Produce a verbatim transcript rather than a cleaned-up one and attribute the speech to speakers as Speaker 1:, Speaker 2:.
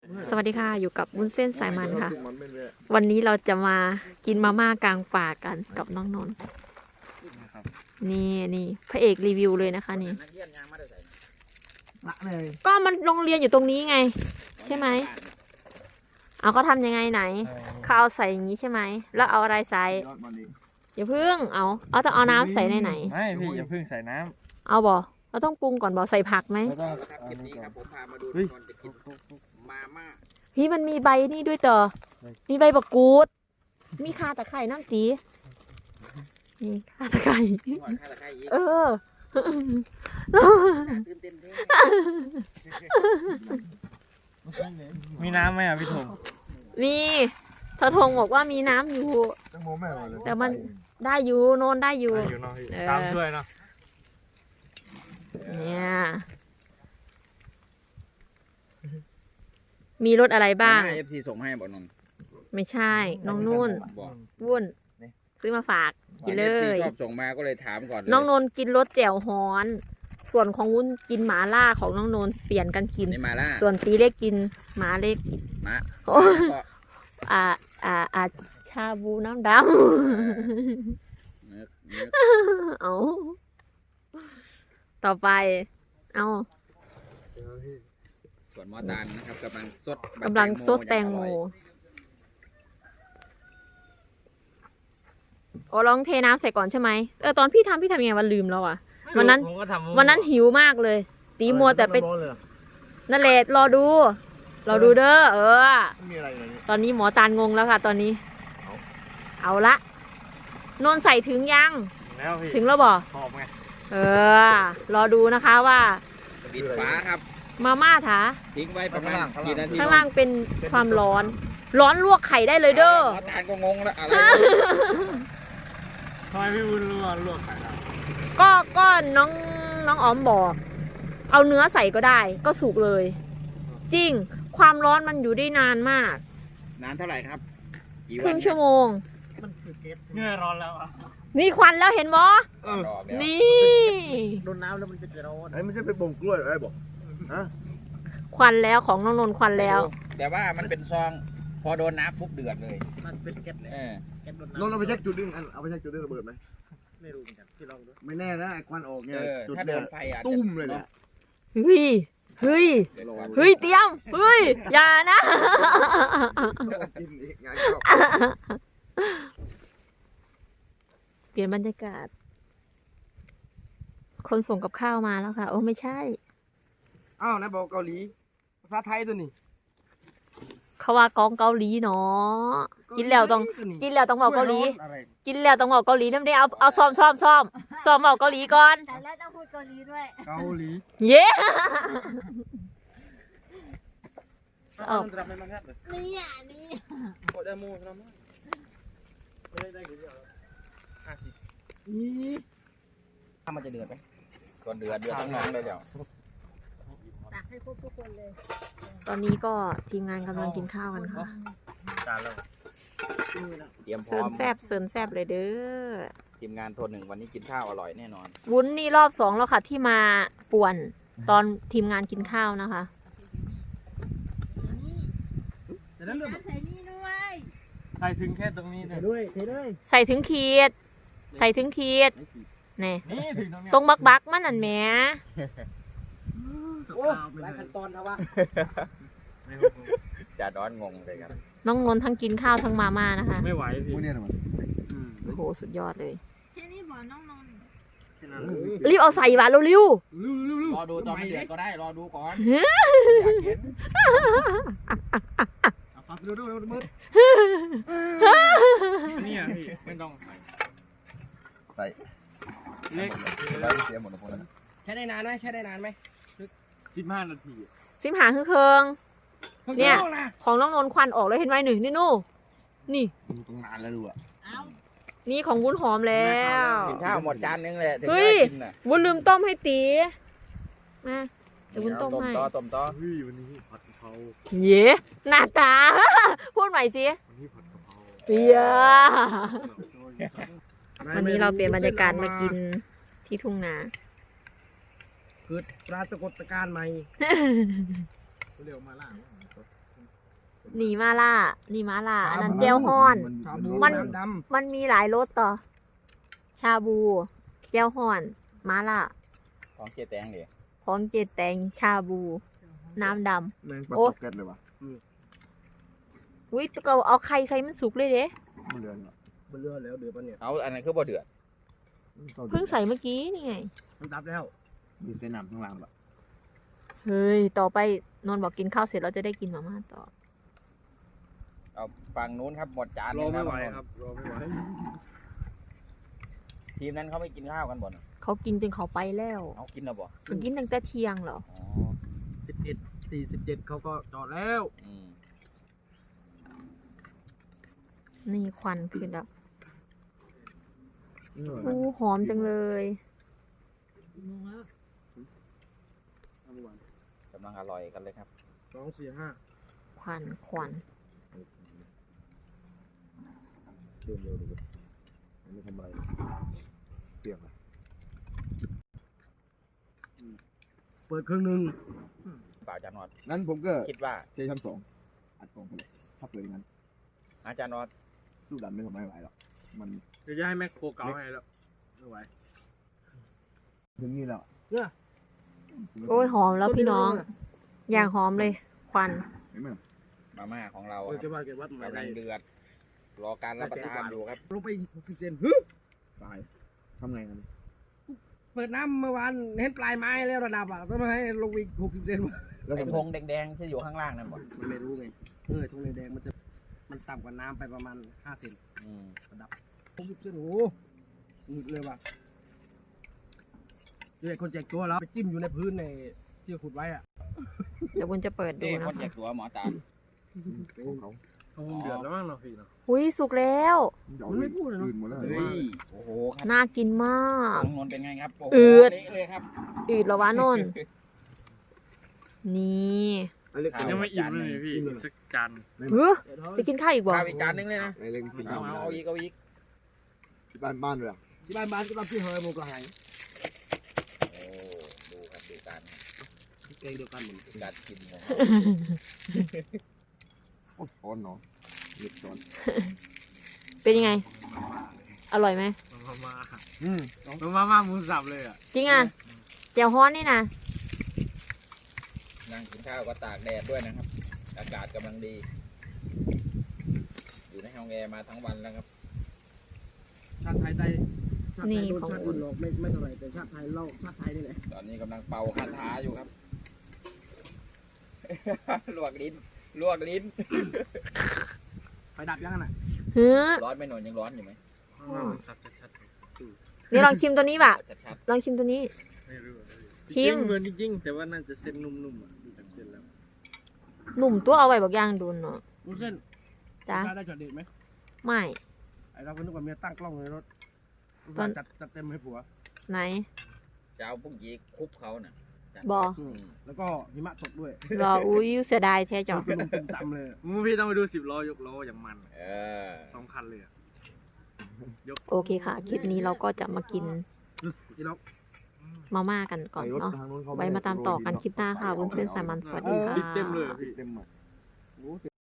Speaker 1: สวัสดีค่ะอยู่กับวุ้นเส้นสายมันค่ะวันนี้เราจะมากินมาม่ากลางป่ากันกับน้องนนท์นี่นี่พระเอกรีวิวเลยนะคะนี่ก็มันโรงเรียนอยู่ตรงนี้ไงใช่ไหมเอาเขาทำยังไงไหนเขาเอาใส่อย่างนี้ใช่ไหมแล้วเอาอะไรใส่อย่าเพิ่งเอาเอาจะเอาน้ำใส่ในไหน
Speaker 2: ไม่พี่อย่าเพิ่งใส่น้
Speaker 1: ำเอาบ่เราต้องปรุงก่อนบ่ใส่ผักไหมพี่มันมีใบนี่ด้วยเตอมีใบบักกูดมีข่าตะไคร่น้ำตีนี่ข่าตะไคร่เออ
Speaker 2: มีน้ำไหมอ่ะพี่ธง
Speaker 1: มีทธงบอกว่ามีน้ำอยู่แต่มันได้อยู่โนนได้อยู่
Speaker 2: ตามด้วยเนาะ
Speaker 1: เนี่ยมีรถอะไรบ้าง
Speaker 3: เอฟซีส่งให้บอกนน
Speaker 1: ไม่ใช่น้องนุ่นวุ่นซื้อมาฝากกินเลย
Speaker 3: ชอบส่งมาก็เลยถามก่อน
Speaker 1: น้องนนกินรสแจ่วฮ้อนส่วนของวุ้นกินหมาล่าของน้องนนเปลี่ยนกันกินส่วนตีเล็กกินหมาเล็ก
Speaker 3: หมา
Speaker 1: อ่าอ่าอ่าชาบูน้ำดำเอาต่อไปเอา
Speaker 3: ส่วนหมอตาลนะครับกำลังซด
Speaker 1: กำลังซดแตงโมโอ้ลองเทน้ำใส่ก่อนใช่ไหมเออตอนพี่ทำพี่ทำยังไงวันลืมแล้วอ่ะวันนั้นวันนั้นหิวมากเลยตีมัวแต่ไปนั่นแหละรอดูรอดูเด้อเออตอนนี้หมอตาลงงแล้วค่ะตอนนี้เอาละนนใส่ถึงยังถึงแล้วบ่เออรอดูนะคะว่า
Speaker 3: ปิดฝาครับ
Speaker 1: มาม่าถา
Speaker 3: ทิ้งไว้ประมาณกี่นาที
Speaker 1: ข้างล่างเป็นความร้อนร้อนลวกไข่ได้เลยเด้อ
Speaker 3: หมอตาลก็งงแล้วอะไร
Speaker 2: ทำไมพี่วุ้นลวกลวกไข่ล่ะ
Speaker 1: ก็ก็น้องน้องอ๋อมบอกเอาเนื้อใส่ก็ได้ก็สุกเลยจริงความร้อนมันอยู่ได้นานมาก
Speaker 3: นานเท่าไหร่ครับ
Speaker 1: ครึ่งชั่วโมง
Speaker 2: เนื้อร้อนแล้วอ่ะ
Speaker 1: นี่ควันแล้วเห็นบ่นี่
Speaker 2: โดนน้ำแล้วมันจะร้อน
Speaker 4: ไอ้ไม่ใช่เป็นบ่งกล้วยอะไรบอกฮะ
Speaker 1: ควันแล้วของน้องนนท์ควันแล้ว
Speaker 3: แต่ว่ามันเป็นซองพอโดนน้ำปุ๊บเดือดเลย
Speaker 2: มันเป็นแก๊สเลย
Speaker 4: นนท์เอาไปเช็คจุดดึงเอาไปเช็คจุดดึงระเบิดไหม
Speaker 2: ไม่รู้เหมือนกันที่ลองดู
Speaker 4: ไม่แน่นะไอ้ควันออกเนี่ย
Speaker 3: ถ้าโดนไฟอ่ะ
Speaker 4: ตุ้มเลยนะ
Speaker 1: เฮ้ยเฮ้ยเฮ้ยเตรียมเฮ้ยอย่านะเปลี่ยนบรรยากาศคนส่งกับข้าวมาแล้วค่ะโอ้ไม่ใช่
Speaker 4: อ้าวนะบอกเกาหลีภาษาไทยตัวนี้
Speaker 1: เขาว่ากองเกาหลีเนาะกินแล้วต้องกินแล้วต้องบอกเกาหลีกินแล้วต้องบอกเกาหลีน้ำได้เอาเอาซ้อมซ้อมซ้อมซ้อมบอกเกาหลีก่อน
Speaker 5: แล้วต้องพูดเกาหลีด้วย
Speaker 4: เกาหลี
Speaker 1: เย้
Speaker 5: นี่อ่ะนี่
Speaker 2: โคตรมูครับไม่ได้ได้กี่เดียวห้าสิบ
Speaker 3: นี่ถ้ามันจะเดือดไหมก่อนเดือดเดือดต้องน้องได้เดี๋ยว
Speaker 5: ตักให้ครบทุกคนเลย
Speaker 1: ตอนนี้ก็ทีมงานกำลังกินข้าวกันค่ะ
Speaker 2: จานแล้ว
Speaker 3: เตรียมพร้อม
Speaker 1: เสิร์ฟแซบเสิร์ฟแซบเลยเด้อ
Speaker 3: ทีมงานโทนหนึ่งวันนี้กินข้าวอร่อยแน่นอน
Speaker 1: วุ้นนี่รอบสองแล้วค่ะที่มาป่วนตอนทีมงานกินข้าวนะคะ
Speaker 5: ใส่นี่ด้วย
Speaker 2: ใส่ถึงแค่ตรงนี้เลยด้วย
Speaker 1: ใส่ถึงขีดใส่ถึงขีดนี่ตรงบักบักมันนั่นแหม
Speaker 4: โอ้หลายขั้นตอนนะวะ
Speaker 3: จะร้อนงงเลยครับ
Speaker 1: น้องนนทั้งกินข้าวทั้งมาม่านะคะ
Speaker 2: ไม่ไหวสิ
Speaker 1: โอ้โหสุดยอดเลย
Speaker 5: แค่นี้บอกน้องนน
Speaker 1: รีบเอาใส่หวานเร็ว
Speaker 3: รอดูตอนไม่เดือดก็ได้รอดูก่อน
Speaker 2: ฟังดูดูดูมืดนี่อ่ะพี่ไม่ต้อง
Speaker 4: ใส่
Speaker 2: เล็ก
Speaker 4: แล้วเสียหมดแล้วพวกนั้น
Speaker 3: ใช้ได้นานไหมใช้ได้นานไหม
Speaker 2: สิบห้านาที
Speaker 1: สิบหาคือเคืองเนี่ยของน้องนนควันออกแล้วเห็นไหมหนึ่งนี่นู่นี่
Speaker 4: ตรงนานแล้วดูอ่ะ
Speaker 1: นี่ของวุ้นหอมแล้ว
Speaker 3: กินข้าวหมดจานนึงเลย
Speaker 1: เฮ้ยวุ้นลืมต้มให้ตีมาจะวุ้นต้มให้
Speaker 3: ต้มต่อต้มต่อ
Speaker 2: เฮ้ยวันนี้ผัดกะเพรา
Speaker 1: เย้หน้าตาพูดใหม่สิ
Speaker 2: วันนี้ผัดกะเพรา
Speaker 1: เย้วันนี้เราเปลี่ยนบรรยากาศมากินที่ทุ่งนา
Speaker 4: เกิดปรากฏการณ์ใหม่
Speaker 2: เร็วมาล่า
Speaker 1: หนีมาล่าหนีมาล่าอันนั้นแจวฮอน
Speaker 4: ชาบู
Speaker 1: มัน
Speaker 4: น้ำด
Speaker 1: มันมีหลายรสต่อ ชาบูแจวฮอนมาล่า
Speaker 3: ของเจแตงดิ
Speaker 1: ของเจแตงชาบู น้ำด
Speaker 4: ำแมงปลา
Speaker 1: โอ้
Speaker 4: ตกแก๊สเลยวะ
Speaker 1: ำอุ้ยตัวเอาไข่ใส่มันสุกเลยเด้
Speaker 4: มันเรือนเหรอ
Speaker 2: มันเลือดแล้วเดือดปะเนี่ย
Speaker 3: เอาอันนั้นคือบ่เดือด
Speaker 1: เพิ่งใส่เมื่อกี้นี่ไง
Speaker 2: มันดับแล้ว
Speaker 4: มีเส้นน้ำข้างล่างปะ
Speaker 1: เฮ้ย ต่อไปนนท์บอกกินข้าวเสร็จเราจะได้กินมาม่าต่อ
Speaker 3: เอาฝั่งนู้นครับหมดจาน
Speaker 2: รอไม่
Speaker 3: ง
Speaker 2: ไหวครับรอไม่ไหว
Speaker 3: ทีมนั้นเขาไม่กินข้าวกันบ่น
Speaker 1: เขากินจนเขาไปแล้ว
Speaker 3: เอากินแล้วบ่
Speaker 1: มันกินตั้งแต่เที่ยงเหรอ
Speaker 3: อ๋อ
Speaker 2: สิบเอ็ดสี่สิบเจ็ดเขาก็จอดแล้ว
Speaker 3: อืม
Speaker 1: นี่ควันขึ้นแล้วอู้หอมจังเลย
Speaker 3: กำลังอร่อยกันเลยครับ
Speaker 2: สองสี่ห้า
Speaker 1: ควันควัน
Speaker 4: เดินเร็วดูอันนี้ทำอะไรเปียกอะ
Speaker 2: เปิดเครื่องหนึ่ง
Speaker 3: ป่าอาจารย์นอด
Speaker 4: งั้นผมก็
Speaker 3: คิดว่า
Speaker 4: เทชั้นสองอัดกล่องไปเลยถ้าเปิดอย่างนั้น
Speaker 3: อาจารย์นอด
Speaker 4: สู้ดันไม่ทำไม่ไหวหรอกมัน
Speaker 2: จะจะให้แม็กโคเก่าให้แล้วไม่ไหว
Speaker 4: ถึงนี่แล้ว
Speaker 1: โอ้ยหอมแล้วพี่น้อง อย่างหอมเลย ควัน
Speaker 4: เห็นไหม
Speaker 3: มาม่าของเรา
Speaker 2: เออ
Speaker 3: ค
Speaker 2: เก็
Speaker 3: รั
Speaker 2: บบ วัดเก็บวัด
Speaker 3: กำลังเดือด รอการรับประทานอยู่ครับ
Speaker 2: ลงไปหกสิบเซน
Speaker 4: ตายทำไงกัน
Speaker 2: เปิดน้ำเมื่อวานเห็นปลายไม้แล้วระดับอ่ะต้องมาให้ลงอีกหกสิบเซน
Speaker 4: แล้ว
Speaker 3: ไอ้
Speaker 4: ทำ
Speaker 3: ธ
Speaker 4: ไง
Speaker 3: งแดงๆที่อยู่ข้างล่างนั่นบ่
Speaker 2: มันไม่รู้ไงเออทงแดงๆมันจะมันต่ำกว่าน้ำไปประมาณห้าเซน
Speaker 3: อืม
Speaker 2: ระดับหกสิบเซนโอ้โหหนึบเลยว่ะเดี๋ยวไอ้คนแจกตัวแล้วไปจิ้มอยู่ในพื้นในที่ขุดไว้อ่ะ
Speaker 1: เดี๋ยวคุณจะเปิดดู
Speaker 3: นี่
Speaker 1: นะ
Speaker 3: คนแจ
Speaker 1: คะ
Speaker 3: กตัวหมอตา
Speaker 4: ของเขา
Speaker 2: เดือดแล้วมั้งเนาะพี่เนาะ
Speaker 1: อุ้ยสุกแล้ว
Speaker 2: มันไม่พูดเลยเนอะ
Speaker 4: อื่นหมดแล้ว
Speaker 3: เฮ้ยโอ้โหครับ
Speaker 1: น่ากินมาก
Speaker 3: ของนนท์เป็นไงครับโอ้โห
Speaker 1: อืด
Speaker 3: เละเลยครับ
Speaker 1: อืดแล้ววะนนท์นี่
Speaker 4: ไอ้เล็ก
Speaker 3: ครับ
Speaker 2: ยังไม่อิ่มเลยพี่อีกสักจาน
Speaker 1: เฮ้ยจะกินข้าวอีกบ่
Speaker 3: ข้าวอีกจานนึงเลยนะ
Speaker 4: ไอ้เล็กกิน
Speaker 3: เอา
Speaker 4: น้ำ
Speaker 3: เอาเอาอีกเอาอีก
Speaker 4: ที่บ้านบ้านเลยอะ
Speaker 2: ที่บ้านบ้านก็ต้องพี่เฮยโมกระหาย
Speaker 3: โอ้ดูครับดูการ
Speaker 2: เกงเดียวกันเหมือน
Speaker 3: ดูการกินของ
Speaker 4: โอ้ช้อนเนาะเล็กช้อน
Speaker 1: เป็นยังไง อร่อยไหม
Speaker 2: มามา
Speaker 4: อืม
Speaker 2: มามามาหมูสับเลยอ่ะ
Speaker 1: จริงอ่ะแจ่วฮ้อนนี่นะ
Speaker 3: นั่งกินข้าวก็ตากแดดด้วยนะครับ อากาศกำลังดี อยู่ในห้องแอร์มาทั้งวันแล้วครับ
Speaker 2: ชาติไทยได้ชาติไทยโดนชาติอื่นหลอกไม่ไม่เท่าไหร่แต่ชาติไทยเล่าชาติไทยนี่แหละ
Speaker 3: ตอนนี้กำลังเป่าคาถาอยู่ครับ ลวกลิ้นลวกลิ้น
Speaker 2: ไฟดับยังไงน่ะ
Speaker 1: เฮ้อ
Speaker 3: ร้อนไหม่หนอนยังร้อนอยู่ไหม
Speaker 2: สับชัด
Speaker 1: นี่ลองชิมตัวนี้ป่ะ
Speaker 3: ชัด
Speaker 1: ลองชิมตัวนี้
Speaker 2: ไม่รู้
Speaker 1: ชิม
Speaker 2: เหมือนจริงๆแต่ว่าน่าจะเส้นนุ่มๆอ่ะดูจากเส้นแล้ว
Speaker 1: หนุ่มตัวเอาไว้บอกย่างดูเนาะ
Speaker 2: ดูเส้น
Speaker 1: จ้ะ
Speaker 2: ได้จอดเด็ดไหม
Speaker 1: ไม่
Speaker 2: ไอเราก็นึกว่าเมียตั้งกล้องในรถ
Speaker 1: ตอน
Speaker 2: จัดจัดเต็มให้ผัว
Speaker 1: ไหน
Speaker 3: ๆจะเอาพวกยีคุบเขาน่ะจัด
Speaker 1: บอ
Speaker 3: อืม
Speaker 2: แล้วก็หิมะตกด้วย
Speaker 1: รออุ้ยเสียดายแท้จ้ะ
Speaker 2: ตุ่มตุ่มต่ำเลยมูพี่ต้องไปดูสิบล้อยกล้ออย่างมัน
Speaker 3: เออ
Speaker 2: สองคันเลยอะ
Speaker 1: โอเคค่ะ คลิปนี้เราก็จะมากิน
Speaker 2: พี่ล็อก
Speaker 1: มาม่ากันก่อน
Speaker 4: ไอ้รถ
Speaker 1: เนาะ
Speaker 4: ทางนู้นเข
Speaker 1: ไว้มาตามต่อกันคลิปหน้าค่ะวุ้นเส้นสายมันสวัสดีค่ะ
Speaker 2: ติดเต็มเลยอะพี่
Speaker 4: เต็มอ่ะ